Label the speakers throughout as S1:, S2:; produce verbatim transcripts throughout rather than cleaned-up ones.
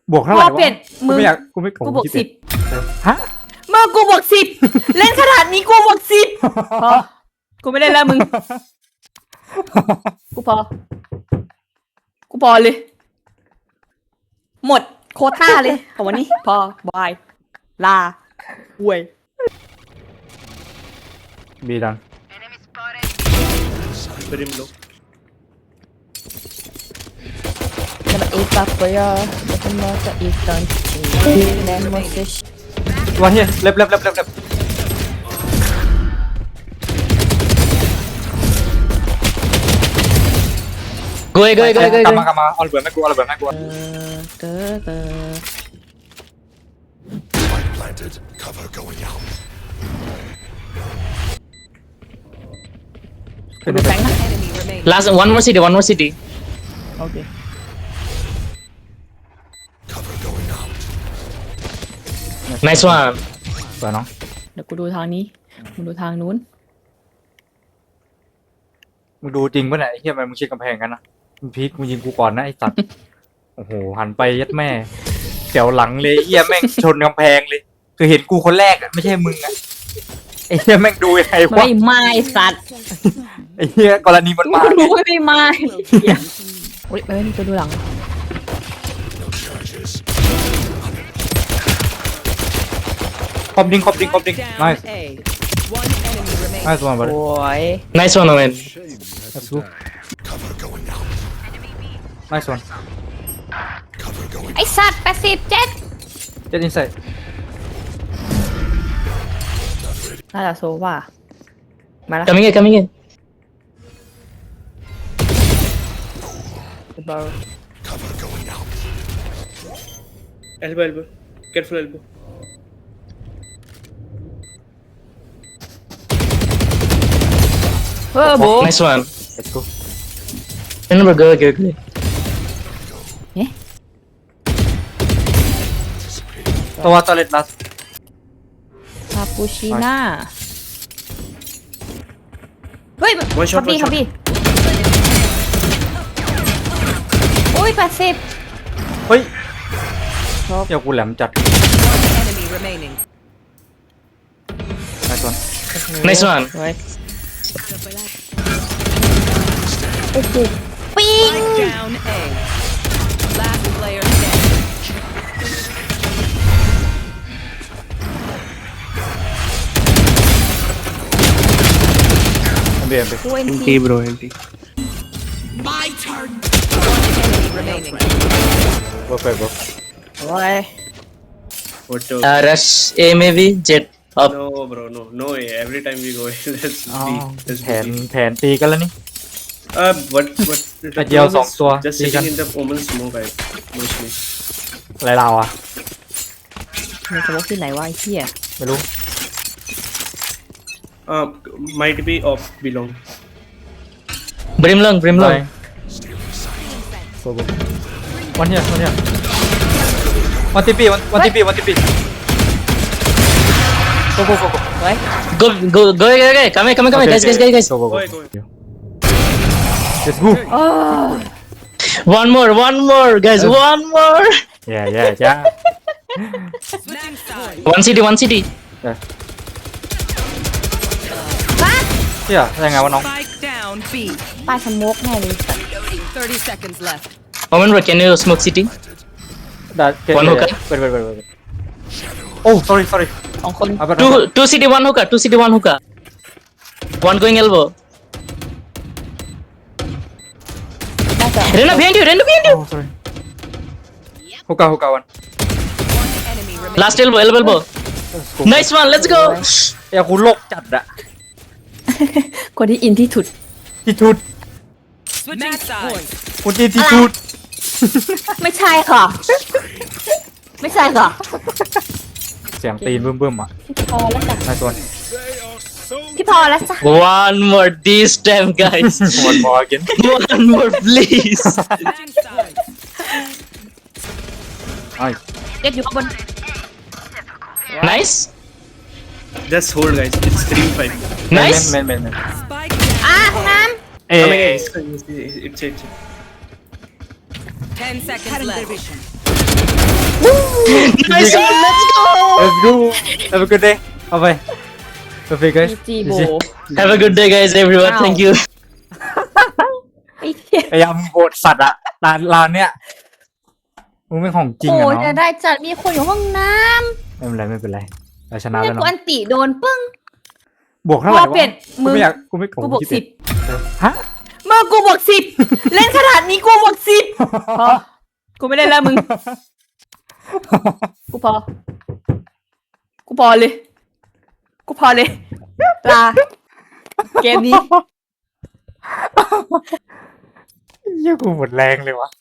S1: บวกเท่าไหร่
S2: พอเปลี่
S1: วะ
S2: ยน
S1: กู
S2: มือ
S1: ไม่อยากกูไม่
S2: กูบวกสิบ
S1: ฮะ
S2: มือกูบวกสิบเล่นขนาดนี้กูบวกสิบพอกูไม่เล่นแล้วมึงกูพอกูพอเลย หมดโควต้าเลยของวันนี้พอบายลาอวย
S1: บีดัน
S3: Brim low.
S4: Kana ipapaya, baka makaitan. Tingnan mo si
S1: วันเฮียเล็บเล็บเล็บเล็บเล็บ
S5: Go away, go away, go away, go
S1: กลับ
S5: away.
S1: มากลับมาเอาระเบิดไม่กูเอาระเบิดไม่กู
S4: Tata.
S6: Spike planted. Cover going out.
S2: กูดูแฟงนะ
S5: Last one more city, one more city.
S2: โอเค
S6: Cover going out.
S5: Nice one.
S1: สวยน้อง
S2: เดี๋ยวกูดูทางนี้มึงดูทางนู้น
S1: มึงดูจริงป่ะเนี่ยไอ้เฮียมันมึงเช็คกำแพงกันนะมึงพีคมึงยิงกูก่อนนะไอ้สัตว์โอ้โหหันไปยัดแม่เสียวหลังเลยเฮียแม่งชนกำแพงเลยคือเห็นกูคนแรกอะไม่ใช่มึงอะไอ้เฮียแม่งดูยังไงวะ
S2: ไม่ไม่สัตว์
S1: ไอ้เฮียกรณีมันมา
S2: กูรู้ไม่ไม่เหี้ยอุ้ยเอ้ยนี่จะดูหลัง
S6: No charges.
S1: คอมดิ้งคอมดิ้งคอมดิ้ง nice
S7: One enemy remaining.
S1: nice one buddy
S2: โอ้ย
S5: Nice one, Owen.
S1: let's go
S6: Cover going out.
S1: nice one
S6: Cover going
S2: ไอสัตว์แปดสิบเจ็ด
S1: get inside
S2: น่าจะโซว่ามาแล้ว
S5: Coming in, coming in.
S2: บอล
S6: Cover going out.
S3: Elbow, elbow. Careful elbow.
S2: เออโบ
S5: Nice one.
S1: let's go
S5: Remember, go, go, go.
S1: ตัวตัวเล็ดลัส
S2: คาปูชิน่าเฮ้ย
S3: One shot,
S2: คับบี้
S3: one
S2: คับ
S3: shot.
S2: บี้โอ้ยแปดสิบ
S1: เฮ้ยเดี๋ยวกูแหลมจัด
S7: Enemy remaining.
S1: nice one
S5: Nice one.
S2: เฮ้ยโอ้โหปิง
S7: Spike down A. Last player standing.
S1: เบียร์ไป
S2: โอ้ย
S3: Empty, bro, empty.
S7: One enemy remaining.
S1: เบิร์ดเบิร์ด
S2: โอ้ย
S3: What the?
S5: Uh, rush A maybe, jet up.
S3: No, bro, no, no way. Every time we go, let's
S1: อ๋อ
S3: be, let's
S1: แผน
S3: be.
S1: แผนตีกันแล้วนี่
S3: Uh, what, what?
S1: Cái dao sòng tua,
S3: Just
S1: đi
S3: sitting
S1: con.
S3: in the Omen smoke, I mostly.
S1: อะไรเราอ่ะ
S2: มีสมมติที่ไหนวะไอ้เหี้ย
S1: ไม่รู้
S3: Uh, might be off belong.
S5: Brim long, brim
S1: อะไร
S5: long.
S1: โกโก้วันเนี้ยวันเนี้ยวันที่ปีวันวันที่ปีวันที่ปีโกโก้โกโก้
S2: เฮ้ย
S5: Go, go, go, go, go. Come here, come here, come here, guys, guys, guys, guys.
S1: โกโก้
S3: Go, go.
S1: let's go
S2: โอ้
S5: One more, one more, guys, one more.
S1: yeah yeah yeah
S7: Switching sides.
S5: One city, one city.
S1: เชี่ยยังไงวะน้อง
S7: Spike down B.
S2: ป้ายสโมกแน่เลยสัตว์
S7: Thirty seconds left.
S5: Owen, bro, can you smoke city?
S1: ได้เก
S5: One hookah
S1: เปิดเปิดเปิดเปิดโอ้ sorry sorry
S2: สองคน
S1: เอาไป
S5: Two, two city, one hookah, two city, one hookah. One going elbow.
S2: น่าจะ
S5: Rena behind you, Rena behind
S1: โอ้
S5: you.
S1: sorry ฮุกาฮุกาวัน
S7: Enemy remaining.
S5: Last elbow, elbow, elbow. Nice one, let's go.
S1: เอ้ยกูโลกจัดอะ
S2: คนที่อินที่ถุด
S1: ที่ทุด
S7: Switching sides.
S1: กูที่ที่ทุด
S2: ไม่ใช่ค่ะ ไม่ใช่ค่ะ
S1: เสียงตีนบึ้มบึ้มๆอ่ะ
S2: พี่พอแล้วจ้ะ
S1: นายส่วน
S2: พี่พอแล้วจ้ะ
S5: One more this time, guys.
S1: one more again
S5: One more, please.
S7: Switching sides.
S1: ไอ้
S2: เด็กอยู่ข้างบน
S5: Nice,
S3: Just hold, guys. It's three five.
S1: เมน
S5: nice.
S1: เมนเมนเมน
S7: Spike
S2: อ่ะ
S7: down.
S2: ห้องน้
S1: เอ้
S3: Coming in. It's, it's, it's, it's.
S7: Ten seconds left.
S5: Nice one, let's go!
S1: let's go have a good day เอาไปโอเค guys
S2: จีโบ
S5: Have a good day, guys, everyone.
S2: Wow.
S5: Thank you.
S2: ไอ้เหี้ย
S1: พยายามโหดสัตว์อะร้านร้านเนี้ยมึงเป็นของจริง
S2: โอ้
S1: อะ
S2: ย
S1: เนาะ
S2: จะได้จัดมีคนอยู่ห้องน้
S1: ไม่เป็นไรไม่เป็นไรเราช
S2: ำ
S1: นะ
S2: เนี่
S1: แล้
S2: ยว กู
S1: เนาะ
S2: อันติโดนปึ้ง
S1: บวกเท่า
S2: พ
S1: ไหร่
S2: อเปลี่ยน
S1: กู
S2: มึง
S1: ไม่อยากกูไม่
S2: กูบวก
S1: คิด
S2: สิบ
S1: เออฮะ
S2: เมื่อกูบวกสิบเล่นขนาดนี้กูบวกสิบพอกูไม่ได้แล้วมึง กูพอ กูพอเลย กูพอเลย ลา เกมนี้
S1: เหี้ยกูหมดแรงเลยวะ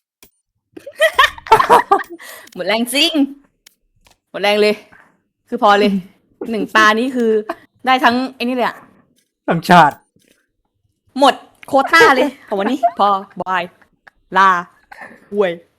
S2: หมดแรงจริง หมดแรงเลย คือพอเลย หนึ่งตานี้คือ ได้ทั้งไอ้นี่เลยอะ
S1: ทั้งชาติ
S2: หมดโควต้าเลยของวันนี้ พอ บาย ลาอวย